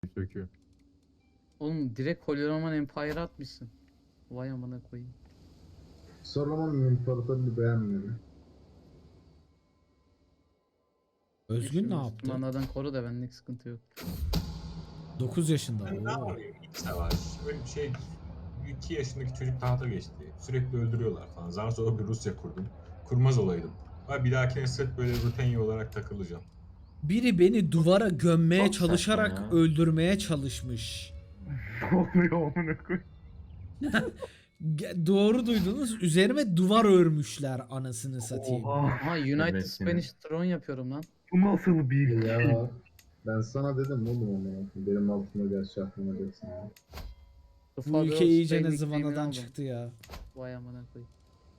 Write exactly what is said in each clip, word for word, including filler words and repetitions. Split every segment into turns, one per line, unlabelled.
Söküyor.
Oğlum direkt Holy Roman Empire atmışsın. Vay amına koyayım.
Solomon İmparatorluğu beğenmiyorum.
Özgün ne
Şu
yaptı?
Müslümanlardan koru da benlik sıkıntı yok.
dokuz yaşında.
Ben ne
Oo.
yapayım? İç savaş. Böyle bir şey. iki yaşındaki çocuk tahta geçti. Sürekli öldürüyorlar falan. Zar zor bir Rusya kurdum. Kurmaz olaydım. Ama bir dahakine sırf böyle Rutenya olarak takılacağım.
Biri beni duvara gömmeye
Çok
çalışarak
saçma ya.
öldürmeye çalışmış.
Ne oluyor amına koyayım?
Ge- Doğru duydunuz. Üzerime duvar örmüşler anasını satayım.
Oha.
Aha United
Evet,
Spanish Throne yapıyorum lan.
Bu nasıl bir şey?
Ya ben sana dedim oğlum ama benim altımda gerçi aklıma gelsin. ya.
The
Bu
Father
ülke
of
iyice
Spain
ne
nickname'ini
zıvanadan
aldım.
çıktı ya.
Vay amına koyayım.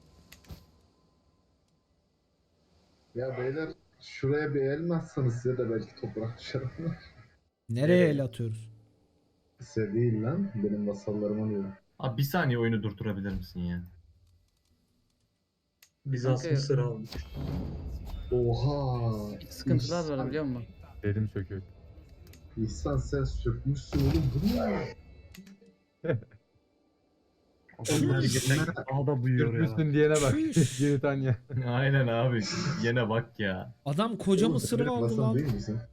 Ya beyler şuraya bir el mi atsanız size de belki toprak düşer.
Nereye
Nereye?
el atıyoruz?
Size değil lan benim vasallarıma diyor.
Abi bir saniye oyunu durdurabilir misin ya?
Bizans
Kanka-
Mısır almış.
Oha.
İç sıkıntılar var
İhsan-
biliyor musun?
Dedim söküyor.
İhsan sen sökmüşsün oğlum bu ne?
Daha da buyuyor ya. Sürtmüşsün diyene bak. Britanya.
Aynen abi. Yine bak ya.
Adam koca
Oğlum,
mısırı
benim
aldı
vasal
lan.
değil misin?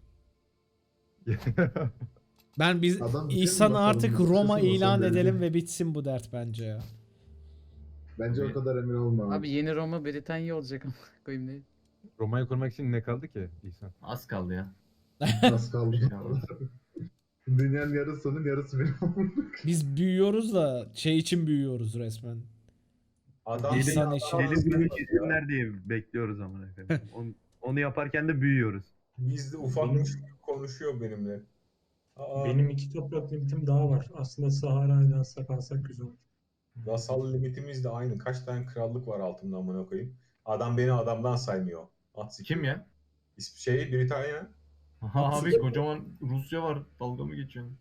Ben biz
Adam bütün
İhsan'ı
vasalını
artık
tutuyorsun,
Roma
vasal
ilan
değil.
edelim ve bitsin bu dert bence ya.
Bence o kadar emin olma.
Abi yeni Roma Britanya olacak amına koyayım ne?
Roma'yı kurmak için ne kaldı ki İhsan?
Az kaldı ya.
Az kaldı.
kaldı.
Dünyanın yarısının yarısı benim oldu.
Biz büyüyoruz da şey için büyüyoruz resmen.
Adam
İhsan
beni
eşi.
adam-
Deli bunu kesinler diye bekliyoruz amına koyayım. Onu, onu yaparken de büyüyoruz.
Bizde ufakmış gibi konuşuyor benimle. Aa,
Benim iki toprak limitim daha var. Aslında Sahara'yı da alsak alsak güzel olur.
vasal limitimiz de aynı. Kaç tane krallık var altımda amına koyayım. Adam beni adamdan saymıyor. At siktir.
Kim ya?
İsp- Şey Britanya.
Abi kocaman Rusya var. Dalga mı geçiyorsun?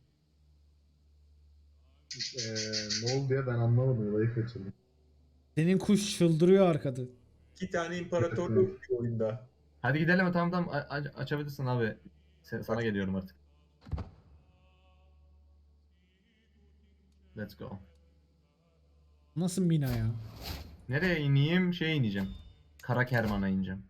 Eee ne oldu ya ben anlamadım olayı kaçırdım.
Senin kuş çıldırıyor arkada.
İki tane imparatorluk bir oyunda.
Hadi gidelim tamam tamam A- aç- açabilirsin abi. Sen, sana geliyorum artık. Let's go.
Nasıl mina ya?
Nereye ineyim? Şeye ineceğim. Karakerman'a ineceğim.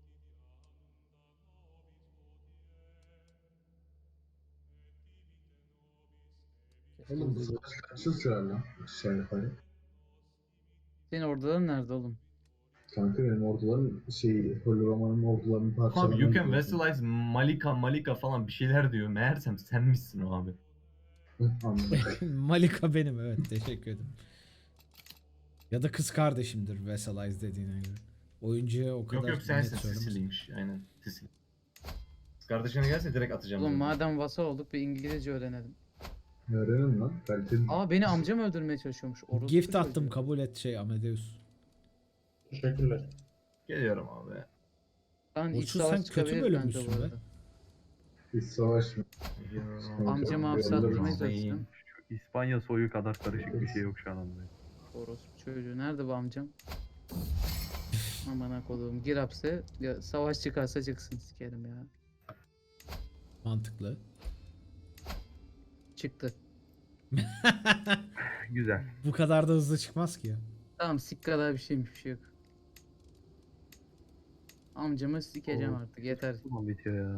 Oğlum bu savaş kaç yıl sürer lan? Aşağı yukarı.
Senin orduların nerede oğlum?
Kanka benim orduların şey Holy Roman'ın ordularının
Abi
parçalarını
you can vassalize Malika Malika falan bir şeyler diyor. Meğersem sen misin o abi?
Anladım.
Malika benim, evet, teşekkür ederim. Ya da kız kardeşimdir Vassalize dediğine göre. Oyuncuya o kadar
Yok yok
net
sensin
söylemez.
Sicily'ymiş. Aynen Sicily. Kız kardeşine gelse direkt atacağım.
Oğlum
bunu.
madem vasal olduk bir İngilizce öğrenelim.
Öğrenin lan. Kaliteli.
Aa beni amcam öldürmeye çalışıyormuş. Orospu
Gift attım,
çocuğu.
kabul et şey Amadeus.
Teşekkürler.
Geliyorum abi.
Lan iç
Orçun,
savaş
sen kötü
çıkabilir
bölünmüşsün
bence bu
be.
arada.
Bir savaş mı?
Geliyorum.
Amcamı hapse
Yollarım.
attırmaya çalıştım.
Şu İspanya soyu kadar karışık bir şey yok şu an anlamda.
Orospu çocuğu. Nerede bu amcam? Aman koduğum. Gir hapse. Ya, savaş çıkarsa çıksın sikerim ya.
Mantıklı.
Çıktı.
Güzel.
Bu kadar da hızlı çıkmaz ki ya.
Tamam sik kadar bir şeymiş bir şey yok. Amcamı sikeceğim
Oo.
artık yeter.
Tamam bitiyor ya.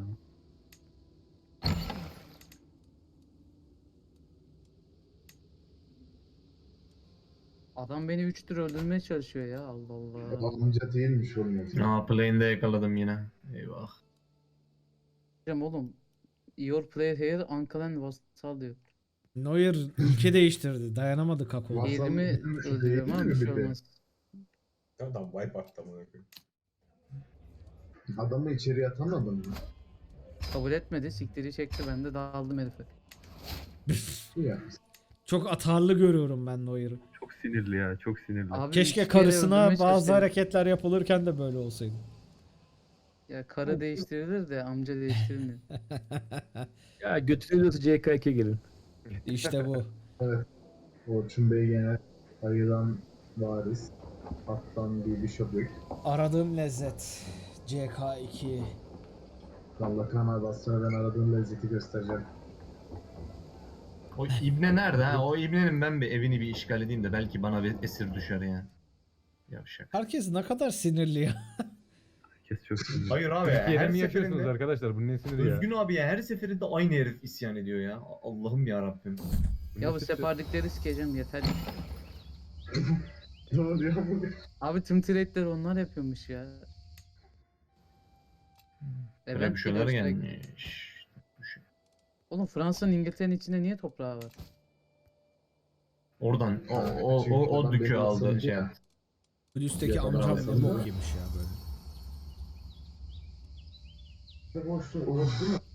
Adam beni üç tür öldürmeye çalışıyor ya Allah Allah.
Amca değilmiş oğlum. ya.
Aa plane'de yakaladım yine. Eyvah.
Hocam oğlum. Your player here uncle and vassal diyor.
Neuer ülke değiştirdi. Dayanamadı kako.
Vasal
Yerimi
değil mi?
öldürüyorum
Değil
ama
mi
bir şey
bir de?
olmaz.
Adam wipe attı amına koyayım.
Adamı içeriye atamadın mı?
Kabul etmedi. Siktiri çekti. Ben de dağıldım herife.
İyi ya.
Çok atarlı görüyorum ben Neuer'ı.
Çok sinirli ya, çok sinirli.
Abi
Keşke
üç kere
karısına
öldürmeye
bazı
çalıştım.
hareketler yapılırken de böyle olsaydı.
Ya karı değiştirilir de amca değiştirilmiyor.
Ya götürüyorsa C K iki gelin.
İşte bu.
Orçun Bey gene ayıdan varis. Attan bir bishop yok.
Aradığım lezzet. C K iki.
Allah kanal bastığına ben aradığım lezzeti göstereceğim.
O İbne nerede ha? O İbne'nin ben bir evini bir işgal edeyim de belki bana bir esir düşer ya. Yavşak.
Herkes ne kadar sinirli ya.
Herkes çok sinirli.
Hayır abi ya.
Türkiye'de
Her
mi yaşıyorsunuz
seferinde
arkadaşlar? Bunun nesini ya?
Özgün abi ya her seferinde aynı herif isyan ediyor ya. Allah'ım ya Rabbim.
Ya bu
nesi-
sefardikleri sikeceğim yeter.
Ne oluyor bu?
Abi tüm trade'leri onlar yapıyormuş ya.
Böyle
Event
bir şeyler
geliyor sürekli.
gelmiş.
Oğlum Fransa'nın İngiltere'nin içinde niye toprağı var?
Oradan o o o, o
Çünkü
dükü
adam
aldı
benim
şey
sandım.
yaptı.
Üstteki
Ya da
amcam
Fransa'da.
ne bok yemiş ya böyle.
Boşluğu unuttum mu?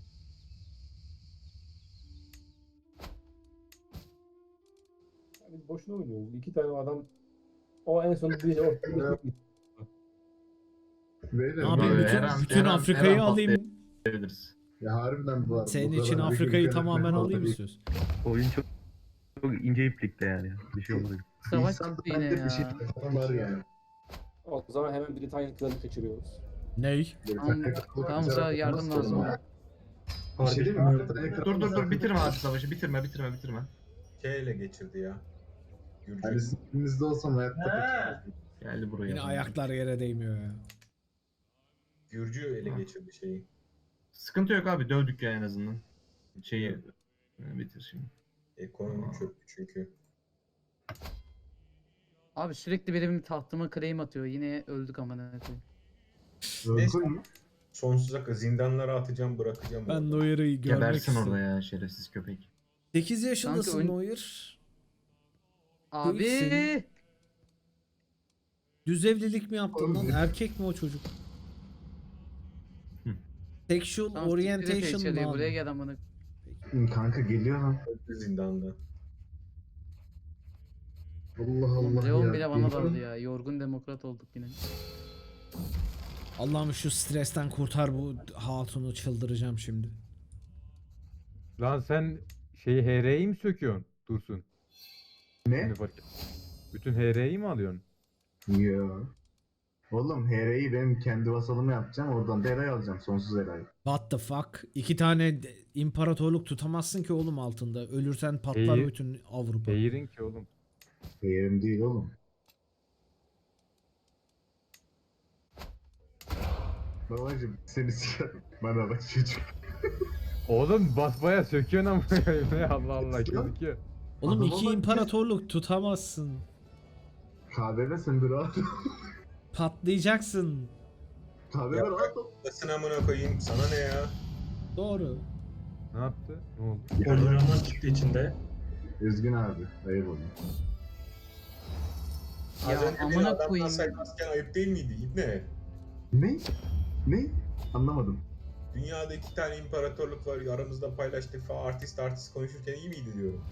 Biz boşuna oynuyoruz. İki tane adam o en son bir ortada bir
Beyler,
Ne yapayım
Böyle
bütün,
her an-
bütün
her an-
Afrika'yı
her an
alayım.
Verebiliriz.
Ya harbiden bu.
Senin
bu
için
kadar
Afrika'yı
bir
tamamen
garip
alayım
bir-
istiyorsun.
Oyun çok çok ince iplikte yani. Bir şey olmadı.
Savaş
İnsan
çıktı yine
bende bir şey
ya.
var yani.
O zaman hemen Britanya kralı kaçırıyoruz.
Ney?
Tamam, tamam sana yardım lazım.
Bir şey değil mi?
Dur dur dur bitirme abi savaşı bitirme bitirme bitirme.
K ile geçirdi ya. Gürcü.
Hani sizin olsam hayatta kaçırmazdım.
Geldi buraya.
Yine ayaklar yere değmiyor ya.
Gürcü ele geçirdi şeyi.
Sıkıntı yok abi dövdük ya en azından. Şeyi e, bitir şimdi.
Ekonomi çöktü çünkü.
Abi sürekli benim tahtıma claim atıyor. Yine öldük amına koyayım.
Neyse.
Öldün mü?
Sonsuza kadar zindanlara atacağım, bırakacağım.
Ben
orada.
Neuer'ı görmek
Gebersin orada
istedim.
ya şerefsiz köpek.
sekiz yaşındasın
Kanka
Neuer.
Abi
Değilsin. Düz evlilik mi yaptın lan?
Oğlum.
Erkek mi o çocuk? Sexual
Tamam,
orientation
siktir et H L'yi,
lan.
buraya gel amına.
Kanka geliyor lan.
Öldü zindanda.
Allah
Oğlum
Allah
Leon
ya.
bile bana
Geliyor.
daldı ya. Yorgun demokrat olduk yine.
Allah'ım şu stresten kurtar bu hatunu, çıldıracağım şimdi.
Lan sen şeyi H R'yi mi söküyorsun? Dursun.
Ne?
Şimdi fark et. Bütün H R'yi mi alıyorsun?
Yo. Oğlum H R'yi benim kendi vasalımı yapacağım. Oradan da Era'yı alacağım. Sonsuz Era'yı.
What the fuck? İki tane de- imparatorluk tutamazsın ki oğlum altında. Ölürsen patlar
İyi.
bütün Avrupa.
Değirin ki oğlum.
Yerim değil oğlum. Babacım seni sikerim. Bana bak çocuk.
Oğlum basbaya söküyorsun ama ne Allah Allah gözüküyor.
Oğlum
Adama
iki
bak.
imparatorluk tutamazsın.
K B B sen bir rahat ol.
Patlayacaksın.
K B B
Ya.
rahat ol.
Basın amına koyayım. Sana ne ya?
Doğru.
Ne yaptı? Ne oldu?
Poligraman çıktı içinde.
Üzgün abi. Hayır oğlum.
Ya
Az önce beni
amına
adamdan
koyayım.
saklarken ayıp değil miydi? İbne.
Ne? Ne? Anlamadım.
Dünyada iki tane imparatorluk var. Aramızda paylaştık falan. Artist artist konuşurken iyi miydi diyorum.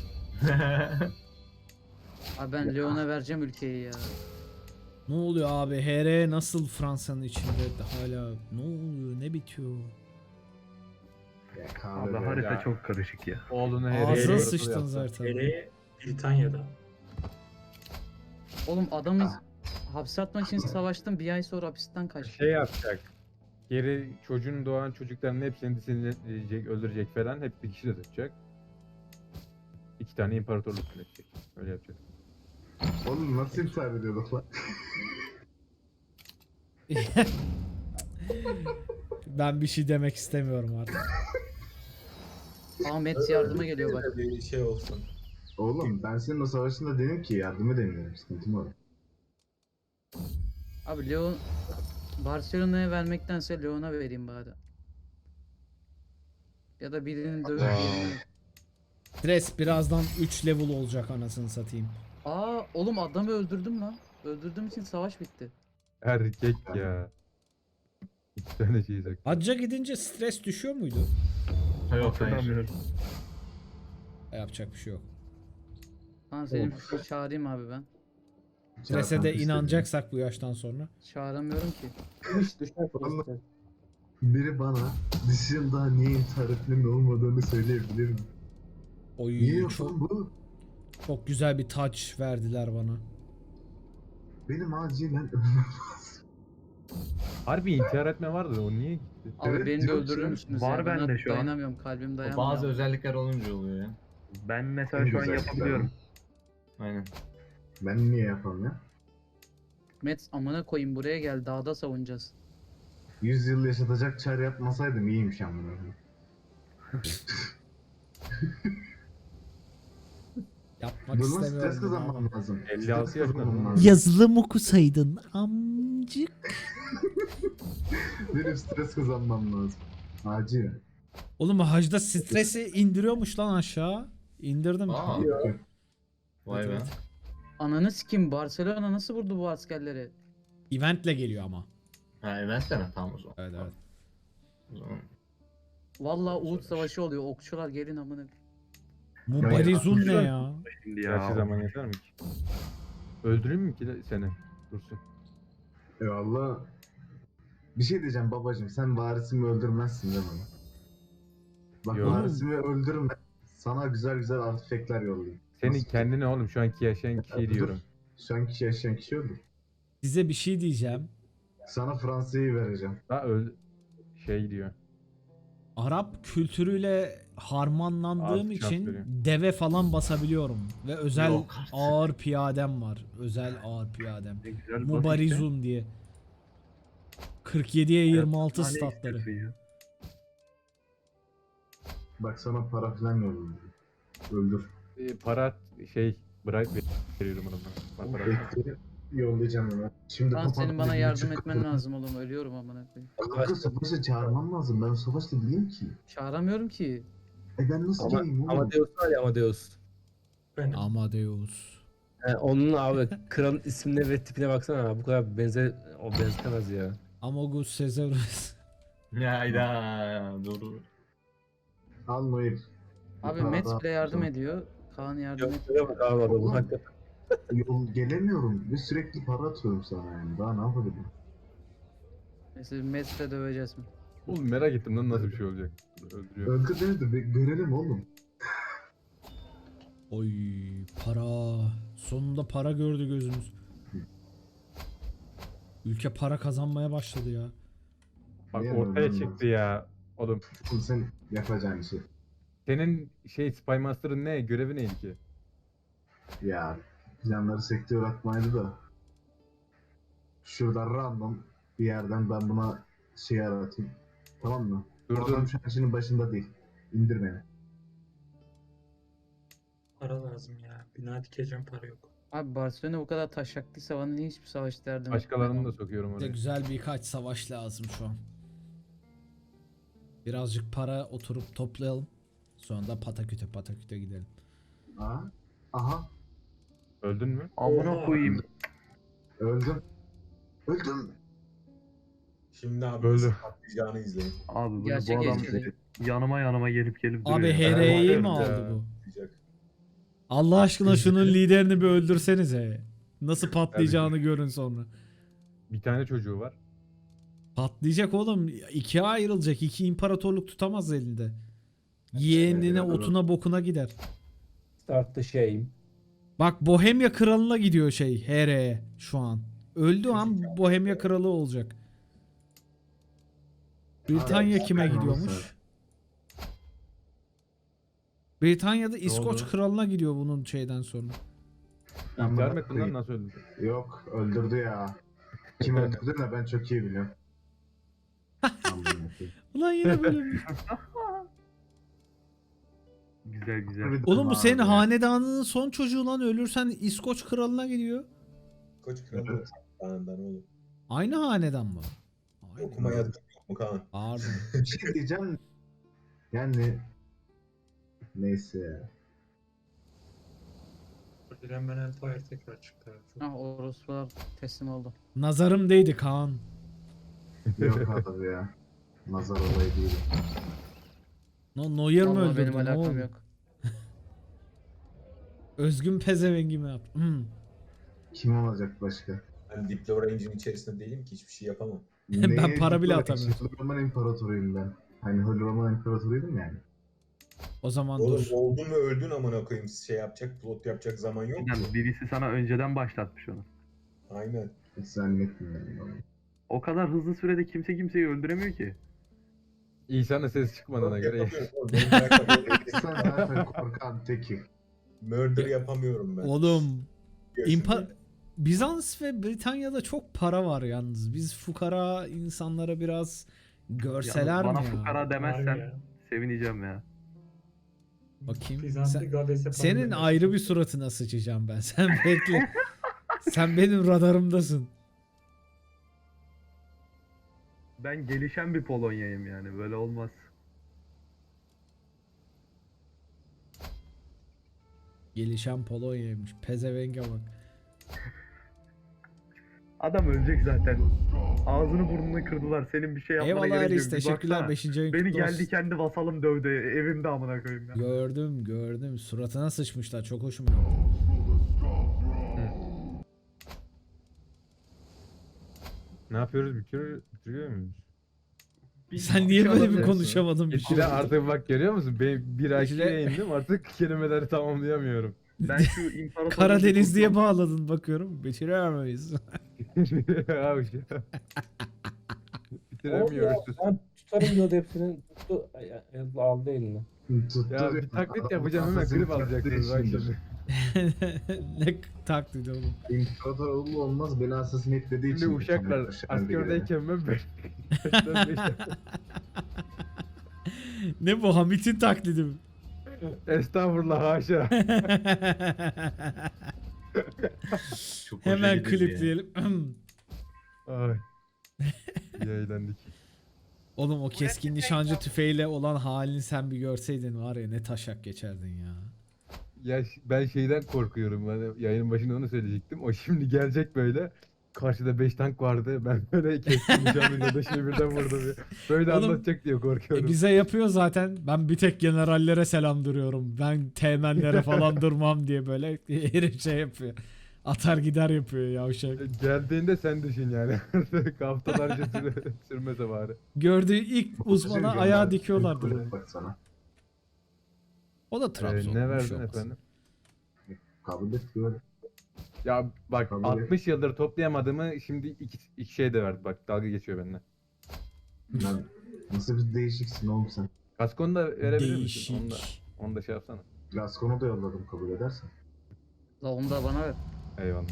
Abi ben Leon'a vereceğim ülkeyi ya.
Ne oluyor abi? H R nasıl Fransa'nın içinde hala? Ne oluyor? Ne bitiyor?
Ya K B
Abi
B.
harita
ya.
çok karışık ya.
Oğlunu H R'ye
Ağzına
imparator
sıçtın
yaptı.
zaten.
Hele Britanya'da.
Oğlum adamı hapse atmak için savaştım. Bir ay sonra hapisten kaçtı.
Şey yapacak. Geri çocuğun doğan çocukların hepsini disinleyecek, öldürecek falan. Hep bir kişi de tutacak. İki tane imparatorluk yönetecek. Öyle yapacak.
Oğlum nasıl intihar ediyorduk lan?
Ben bir şey demek istemiyorum artık.
Ahmet yardıma geliyor bak.
Bir şey olsun.
Oğlum ben senin o savaşında dedim ki yardım edemiyorum. Sıkıntım var.
Abi Leon Barcelona'ya vermektense Leon'a vereyim bari. Ya da birinin dövüp birini.
Stres birazdan üç level olacak anasını satayım.
Aa oğlum adamı öldürdüm lan. Öldürdüğüm için savaş bitti.
Erkek ya. İki tane şey söktü.
Hacca gidince stres düşüyor muydu?
Yok hayır.
Hatırlamıyorum.
Yapacak bir şey yok.
Tamam senin fikrini çağırayım abi ben.
Strese
Çarpan
de
istedim.
inanacaksak bu yaştan sonra.
Çağıramıyorum ki.
Hiç düşer
Vallahi-
Fransa'ya.
Biri bana dışında niye intihar etmenin olmadığını söyleyebilir mi?
Oy
Niye
çok,
yapalım bu?
çok güzel bir touch verdiler bana.
Benim acilen
Harbi intihar etme vardı o niye gitti?
Abi
Evet,
beni de
diyorum
öldürür
ki,
müsünüz
var
ya? Ben
bende şu an.
dayanamıyorum kalbim
O
dayanmıyor.
bazı özellikler olunca oluyor ya.
Ben mesela
En
şu an
güzel
yapabiliyorum.
Aynen.
Ben niye yapamıyorum?
Mets amına koyayım buraya gel dağda savunacağız.
yüz yıl yaşatacak çar yapmasaydım iyiymiş amına koyayım.
Yapmak
Bunun stres
istemiyorum. bunu
kazanmam
ama.
lazım.
elli altı
Stres
yaşında
kazanmam
mı?
lazım.
Yazılım okusaydın amcık.
Benim stres kazanmam lazım. Acil.
Oğlum hacda stresi indiriyormuş lan aşağı. İndirdim.
Aa. Vay be.
Ananı sikim Barcelona nasıl vurdu bu askerleri?
Eventle geliyor ama.
Ha eventten ha tamam o zaman.
Evet evet.
O zaman.
Vallahi Uğut Savaşı oluyor. Okçular gelin amına.
Mubarizun ne
güzel.
ya?
Şimdi
Gerçi
ya.
zaman yeter mi ki? Öldüreyim mi ki de seni? Dursun.
Eyvallah. Bir şey diyeceğim babacım. Sen varisimi öldürmezsin değil mi? Bak
Yok.
varisimi öldürme. Sana güzel güzel artifekler yollayayım.
Senin
Nasıl?
kendine oğlum şu anki yaşayan kişiyi
Dur.
diyorum.
Şu an kişi yaşayan kişi öldür.
Size bir şey diyeceğim.
Sana Fransa'yı vereceğim.
Ha öl şey diyor.
Arap kültürüyle harmanlandığım
Az şans
için
veriyor.
deve falan basabiliyorum. Ve özel
Yok artık.
ağır piyadem var. Özel ağır piyadem.
Ne güzel basit
Mubarizun diye. kırk yediye yirmi altı
de. Tane
statları.
istiyorsun ya.
Bak sana para falan yollayayım. Öldür.
Ee, para şey bırak veriyorum ona. Bak, para.
Bekle, yollayacağım onu. Şimdi
Lan senin bana
papatya
yardım
gibi
etmen
çıktı.
lazım oğlum. Ölüyorum amına koyayım.
Kanka savaşa çağırmam lazım. Ben savaşta değilim ki.
Çağıramıyorum ki.
E ben nasıl
Ama,
geleyim oğlum?
Amadeus var ya Amadeus.
Benim.
Amadeus.
He, onun abi kralın ismine ve tipine baksana abi. Bu kadar benzer o benzemez ya.
Amogus Caesarus.
Hayda dur.
Al Noir.
Abi
Yukarıda-
Mets bile yardım ediyor. Kaan yardım
Yok
et.
şuraya bak abi adamın hakikaten.
Yol gelemiyorum ve sürekli para atıyorum sana yani. Daha ne yapabilirim?
Mesela Mets'le döveceğiz mi?
Oğlum merak ettim lan nasıl bir şey olacak. Öldürüyor.
Öldür beni de bir görelim oğlum.
Oy para. Sonunda para gördü gözümüz. Ülke para kazanmaya başladı ya.
Bak
Niye
ortaya
öldürmem
çıktı
lazım?
ya. Oğlum
Şimdi sen yapacağın işi.
senin şey Spy Master'ın ne? Görevi neydi ki?
Ya planları sektör atmaydı da. Şuradan random bir yerden ben buna şey aratayım. Tamam mı?
Dur,
O
dur.
adam şu an işinin başında değil. İndir beni.
Para lazım ya. Bina dikeceğim para yok.
Abi Barcelona bu kadar taşaklıysa bana niye hiçbir savaş derdim yok?
Başkalarını da sokuyorum
Bize
oraya.
güzel birkaç savaş lazım şu an. Birazcık para oturup toplayalım. Sonra da pataküte pataküte gidelim.
Aha. Aha.
Öldün mü?
Amına
Oha.
koyayım.
Öldüm. Öldüm.
Şimdi abi
Böyle.
nasıl patlayacağını izleyin.
Abi bunu,
Gerçek
bu adam
geçirdi.
yanıma yanıma gelip gelip duruyor.
Abi
ya.
H R'yi mi
bakıyorum
aldı
ya.
bu?
Patlayacak.
Allah aşkına şunun liderini bir öldürsenize. Nasıl patlayacağını görün sonra.
Bir tane çocuğu var.
Patlayacak oğlum. İkiye ayrılacak. İki imparatorluk tutamaz elinde. Yeğenine, otuna, bokuna gider.
Start the shame.
Bak Bohemya kralına gidiyor şey H R'ye şu an. Öldü an Bohemya kralı olacak. Britanya
Abi,
kime
ben
gidiyormuş?
olsa-
Britanya'da İskoç
oldu?
kralına gidiyor bunun şeyden sonra.
İntihar mı ettin lan nasıl öldü?
Yok öldürdü ya. Kim öldürdü de ben çok iyi biliyorum. Amına koyayım.
Ulan yine böyle bir...
Güzel güzel.
Bir
Oğlum bu
daha
senin
abi.
hanedanının son çocuğu lan, ölürsen İskoç kralına gidiyor.
Koç kralı
Evet.
Kaan'dan oğlum.
Aynı hanedan mı? Aynı.
Okuma yazmak yok mu Kaan?
Pardon.
Bir şey diyeceğim. Yani neyse ya.
Direnmen Empire tekrar çıktı. abi.
Ah orospular teslim oldu.
Nazarım değdi Kaan.
Yok abi ya. Nazar olayı değil.
No, Neuer mi
Vallahi
öldürdü?
benim
Ne
alakam
oldu?
yok.
Özgün pezevengi mi yaptı? Hmm.
Kim olacak başka?
Ben Diplo Range'in içerisinde değilim ki hiçbir şey yapamam.
Ben
Neye
para bile
gidiyor?
atamıyorum.
Holy Roman İmparatoruyum ben. Hani Holy Roman İmparatoruyum yani.
O zaman
Oğlum
dur.
oldun ve öldün amına koyayım. Şey yapacak, plot yapacak zaman yok
Yani
mu?
birisi sana önceden başlatmış onu.
Aynen.
Hiç zannetmiyorum. onu.
O kadar hızlı sürede kimse kimseyi öldüremiyor ki.
İsa'nın sesi çıkmadığına göre.
Yapamıyorum oğlum, benim karakter-
Sen zaten korkan teki.
Murder yapamıyorum ben.
Oğlum
Yaşındayım.
İmpa Bizans ve Britanya'da çok para var yalnız. Biz fukara insanlara biraz görseler
Yalnız
mi
bana
ya?
fukara
Harbi
demezsen
ya.
sevineceğim ya.
Bakayım.
Bizanslı
Sen-
Gades'e falan
Senin
demesi
ayrı
çok
bir
iyi.
suratına sıçacağım ben. Sen bekle. Sen benim radarımdasın.
Ben gelişen bir Polonya'yım yani, böyle olmaz.
Gelişen Polonya'ymış. Pezevenge bak.
Adam ölecek zaten. Ağzını burnunu kırdılar. Senin bir şey yapmana
Eyvallah
gerek
Aris.
yok. Bir
Teşekkürler.
baksana.
beşinci ayın
Beni
kutlu
geldi
olsun.
kendi vasalım dövdü. Evimde amına koyayım ya.
Gördüm gördüm. Suratına sıçmışlar. Çok hoşuma gitti.
Ne yapıyoruz? Bitiriyor, bitiriyor muyuz?
Sen niye böyle bir
konuşamadım.
konuşamadın bir şey?
Geçire artık bak görüyor musun? Ben bir
Geçire-
aşağıya indim artık kelimeleri tamamlayamıyorum.
Ben şu imparatorluğu
Karadeniz diye
kurtulmam-
bağladın bakıyorum. Bitiremeyiz.
Abi şey.
Oldu ya,
Bitiremiyoruz.
ben tutarım diyordu hepsini. Tuttu. Ay, ay, aldı eline.
Tuttu
Ya
diyor.
bir taklit
Adam
yapacağım hemen
kafasını
klip
çarptığı
alacaksınız bak
içindir.
şimdi.
Ne taklidi oğlum.
İmparatorluğu olmaz, beni assassinate etlediği için.
Şimdi uşaklar askerdeyken ben beş- beşten beşten-
Ne bu Hamit'in taklidi mi?
Estağfurullah haşa.
Çok hoşa
Hemen
gidici ya.
klipleyelim.
Ay. İyi eğlendik.
Oğlum o keskin nişancı tüfeğiyle olan halini sen bir görseydin var ya ne taşak geçerdin ya.
Ya ş- ben şeyden korkuyorum. Ben yayının başında onu söyleyecektim. O şimdi gelecek böyle. Karşıda beş tank vardı. Ben böyle kestim nişanlıyla da şey birden vurdum. ya. Böyle
Oğlum,
anlatacak diye
E
korkuyorum.
bize yapıyor zaten. Ben bir tek generallere selam duruyorum. Ben teğmenlere falan durmam diye böyle herif şey yapıyor. Atar gider yapıyor yavşak.
Geldiğinde sen düşün yani. Haftalarca süre, sürmese bari.
Gördüğü ilk uzmana ayağı dikiyorlardır onu.
Bak sana.
O da
Ee,
Trabzon.
ne
bir
verdin
şey olmaz.
efendim?
Kabul et böyle.
Ya bak
Tabii.
altmış yıldır toplayamadığımı şimdi iki, iki şey de verdi. Bak dalga geçiyor benimle.
Lan nasıl bir değişiksin oğlum sen.
Kaskonu da verebilir misin? Onu da,
Değişik.
onu da şey yapsana.
Laskon'u da yolladım kabul edersen.
La onu da bana ver.
Eyvallah.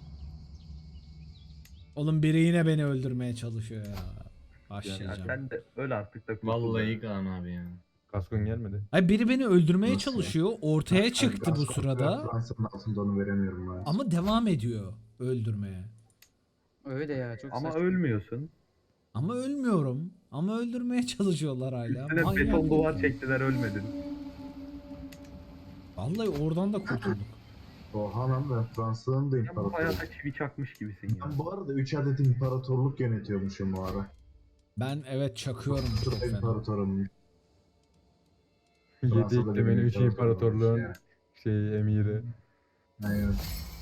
Oğlum biri yine beni öldürmeye çalışıyor ya.
Ya
Başlayacağım.
sen de öl artık da kurtul.
Vallahi Kaan abi ya.
Kaskon gelmedi.
Ay biri beni öldürmeye
Nasıl ya?
çalışıyor. Ortaya
Ben
çıktı bu
Laskon'u
sırada.
Fransa'nın altında onu veremiyorum ben.
Ama devam ediyor öldürmeye.
Öyle ya çok
Ama
saçma.
ölmüyorsun.
Ama ölmüyorum. Ama öldürmeye çalışıyorlar hala.
Üstüne
Manyak.
beton duvar çektiler, ölmedin.
Vallahi oradan da kurtulduk.
Oha lan, ben Fransa'nın da
Sen bu
imparatoru.
hayata çivi çakmış gibisin ya.
Ben bu arada üç adet imparatorluk yönetiyormuşum bu ara.
Ben evet çakıyorum çok
Çok
fena.
imparatorum.
Yedi
Fransa'da
ekti
bir
beni üç
imparator
imparatorluğun
varmış
şey emiri.
Aynen.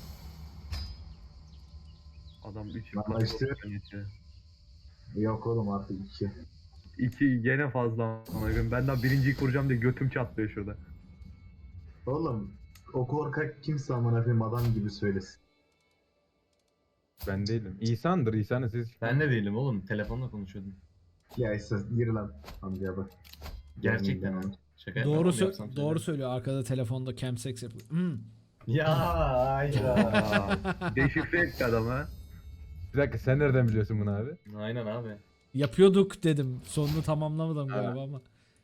Adam üç
Bana
imparatorluk
işte-
yönetiyor.
Yok oğlum artık iki.
İki gene fazla amına koyayım. Ben daha birinciyi kuracağım diye götüm çatlıyor şurada.
Oğlum o korkak kimse amına koyayım adam gibi söylesin.
Ben değilim. İsa'ndır. İsa'nın sesi çıkmıyor.
Ben de değilim oğlum. Telefonla konuşuyordum.
Ya ise gir lan amcaya bak.
Gerçekten
Yani-
ha. Şaka
Doğru
yapmam,
sö-
yapsam
doğru
söylerim.
söylüyor. Arkada telefonda chemsex yapıyor. Hmm.
Ya hayda.
Aa, deşifre etti adamı.
Bir dakika sen nereden biliyorsun bunu abi?
Aynen abi.
Yapıyorduk dedim. Sonunu tamamlamadım
Ha.
galiba ama.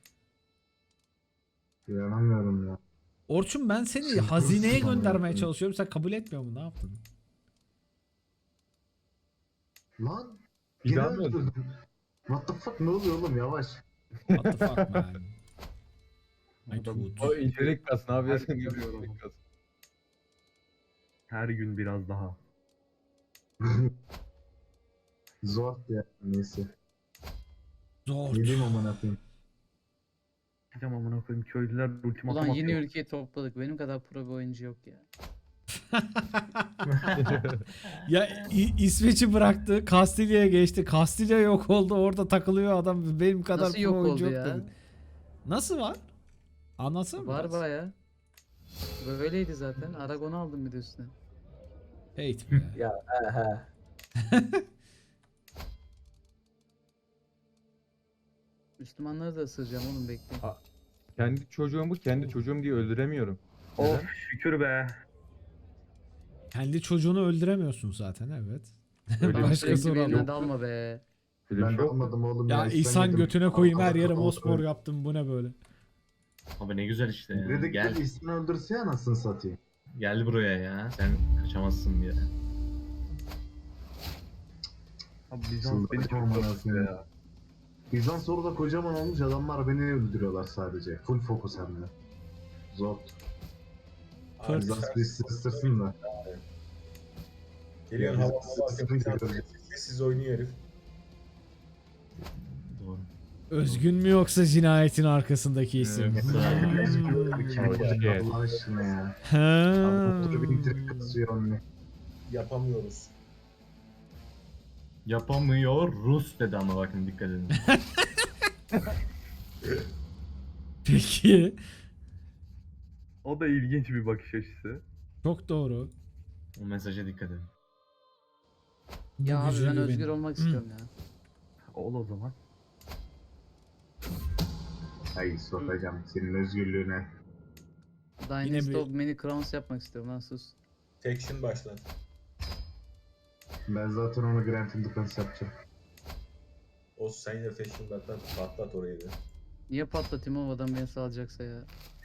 İnanamıyorum ya.
Orçun ben seni
Sıkıntı
hazineye
sıkıntı
göndermeye
anlattın.
çalışıyorum. Sen kabul etmiyor musun? Ne yaptın?
Lan
Bir
gene
daha mı öldün?
öldürdüm. What the fuck, ne oluyor oğlum, yavaş.
What the fuck man? Ay
Adam-
tut.
O intelik kas ne yapıyorsun?
Her gün görüyorum.
İntelik kas.
Her gün biraz daha.
Zor ya, neyse.
Zor.
Yedim amına koyayım.
Gideceğim amına koyayım, köylüler ultimatum
Ulan yeni
atıyor.
ülkeyi topladık. Benim kadar pro bir oyuncu yok ya.
Ya İ- İsveç'i bıraktı. Kastilya'ya geçti. Kastilya yok oldu. Orada takılıyor adam. Benim kadar
Nasıl
pro
yok
oyuncu
oldu
yok
ya?
dedi. Nasıl var? Anlatsana
Var
biraz.
baya. Böyleydi zaten. Aragon'u aldım bir de üstüne.
Hate be.
Ya he he.
Müslümanları da ısıracağım oğlum bekleyin.
A- Kendi çocuğumu kendi çocuğum diye öldüremiyorum.
Of şükür be.
Kendi çocuğunu öldüremiyorsun zaten evet.
Öyle bir
Lan
şey
Başkası
sürekli
olan.
benimle dalma be.
Öyle bir
Ben
şey
de
yok mu?
almadım oğlum
Ya
İhsan
İhsan
yedim.
götüne koyayım her
Arkada
yere
kapalı
mosmor
koyayım.
yaptım bu ne böyle.
Abi ne güzel işte ya.
Dedik
Gel.
ki İhsan'ı öldürse ya anasını satayım.
Gel buraya ya. Sen kaçamazsın bir yere.
Abi Bizans beni çok
Çıldıracağım
korkutuyor
anasını.
ya.
Bizans orada kocaman olmuş adamlar beni öldürüyorlar sadece. Full fokus hem de. Zor.
Abi
Bizans
sen-
bir ısırsın da.
Geliyorsun
Yani
hava hava
sıkıntı
Bizans
yok.
sessiz sessiz oynuyor herif.
Doğru.
Özgün mü yoksa cinayetin arkasındaki isim?
Evet,
Hmm.
Allah aşkına ya.
Ha.
Abi bir intirik kasıyor onunla.
Yapamıyoruz.
Yapamıyor Rus dedi ama bakın dikkat edin.
Peki.
O da ilginç bir bakış açısı.
Çok doğru.
O mesaja dikkat edin.
Bu
Ya abi
gücü
ben
güvenin.
özgür olmak
Hı.
istiyorum ya.
Ol o zaman.
Ay sokacağım senin özgürlüğüne.
Dynasty
bir-
of Many Crowns yapmak istiyorum lan sus.
Faction başlat.
Ben zaten onu Grand Independence yapacağım.
O sen de Faction patlat, patlat orayı da.
Niye patlatayım o adam beni salacaksa ya.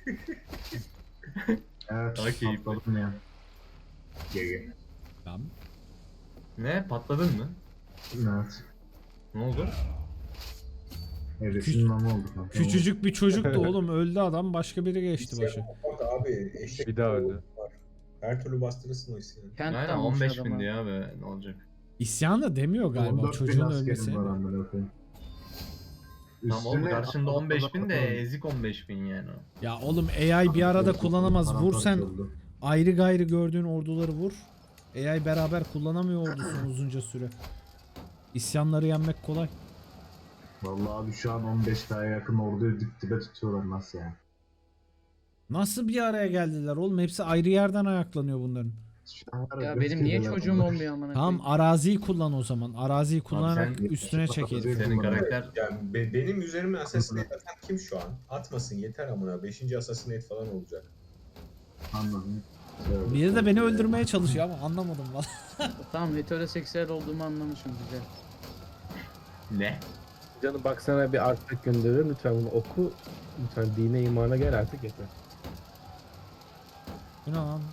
Evet.
Daha keyifli.
patladım ya. G G.
Tamam.
Ne? Patladın mı?
Evet.
Ne oldu?
Evresinin namı oldu. kanka.
Küçücük bir çocuktu oğlum öldü adam başka biri geçti başı.
Bak abi eşek
Bir daha öldü.
var. Her türlü bastırırsın o isyanı.
Kent
Aynen
almış
on beş
adama.
bindi ya be ne olacak?
İsyan da demiyor galiba
on dört bin
çocuğun
askerim
ölmesi.
var amına koyayım.
Tamam oğlum
Üstüne
karşında on beş bin de
Adam-
ezik on beş bin yani o.
Ya oğlum A I bir arada kullanamaz. Vur sen
Paramparça oldu.
ayrı gayrı gördüğün orduları vur. A I beraber kullanamıyor ordusunu uzunca süre. İsyanları yenmek kolay.
Vallahi abi şu an on beş K'ya yakın orduyu dip dibe tutuyorlar nasıl yani?
Nasıl bir araya geldiler oğlum? Hepsi ayrı yerden ayaklanıyor bunların.
Şu an var
Ya
beş
benim niye
kere
çocuğum
bunlar.
olmuyor amına
Tamam
koyayım.
araziyi kullan o zaman. Araziyi kullanarak
sen-
üstüne çekelim.
Senin karakter
Yani be- benim üzerime Assassinate atan kim şu an? Atmasın yeter amına. beşinci Assassinate falan olacak.
Anladım. Söyle.
Biri de beni öldürmeye çalışıyor ama anlamadım valla.
Tamam heteroseksüel olduğumu anlamışım güzel.
ne?
Canım bak sana bir artık gönderiyorum. Lütfen bunu oku. Lütfen dine imana gel artık yeter.
Bu ne lan?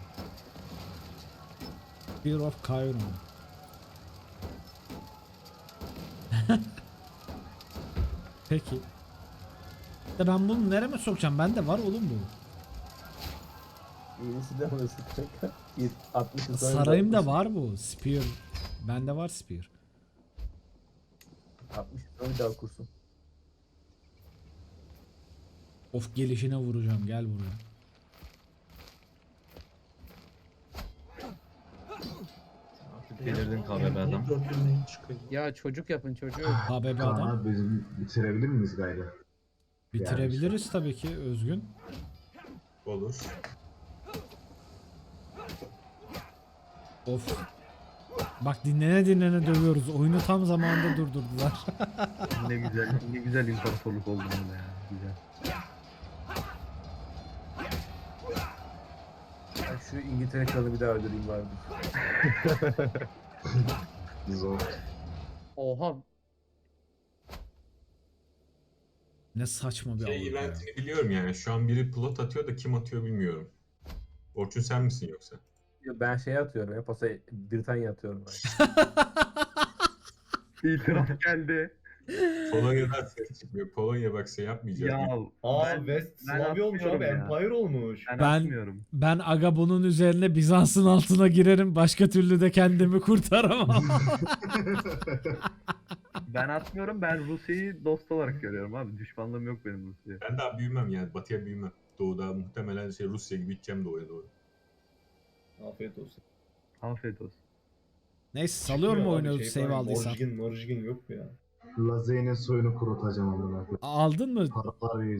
Fear of Chiron. Peki. De ben bunu nereme sokacağım? Bende var oğlum bu.
İyisi de orası kanka. altmış yıl sonra
Sarayımda
altmış
var bu. Spear. Bende var Spear.
altmış yıl sonra bir daha okursun.
Of gelişine vuracağım. Gel buraya.
Artık delirdin kahve be adam.
Döndürmeyin çıkıyor.
Ya çocuk yapın çocuğu.
H B B
Kaan
adam.
abi bizim bitirebilir miyiz gayrı?
Bitirebiliriz tabii ki Özgün.
Olur.
Of. Bak dinlene dinlene dövüyoruz. Oyunu tam zamanında durdurdular.
Ne güzel, ne güzel imparatorluk oldu böyle ya. Güzel.
Ben şu İngiltere kralı bir daha öldüreyim vardı.
Zor.
Oha.
Ne saçma bir
Şey
Avrupa ya.
eventini biliyorum yani. Şu an biri plot atıyor da kim atıyor bilmiyorum. Orçun sen misin yoksa?
Yo, ben şey atıyorum ya. Pasa Britanya atıyorum ben.
İtiraf geldi.
Polonya'dan ses çıkmıyor. Polonya bak şey yapmayacak.
Ya
Aa
ben-
West
ben
Slavya olmuş
atmıyorum
abi.
ya.
Empire olmuş.
Ben,
Ben-
atmıyorum.
Ben aga bunun üzerine Bizans'ın altına girerim. Başka türlü de kendimi kurtaramam.
Ben atmıyorum. Ben Rusya'yı dost olarak görüyorum abi. Düşmanlığım yok benim Rusya'ya.
Ben daha büyümem yani. Batıya büyümem. Doğuda muhtemelen şey Rusya gibi gideceğim doğuya doğru.
Afiyet olsun.
Afiyet olsun.
Neyse salıyor mu oyunu save aldıysan?
Morjgin, morjgin yok mu ya?
Lazey'nin soyunu kurutacağım amına koyayım.
Aldın mı?
Paralar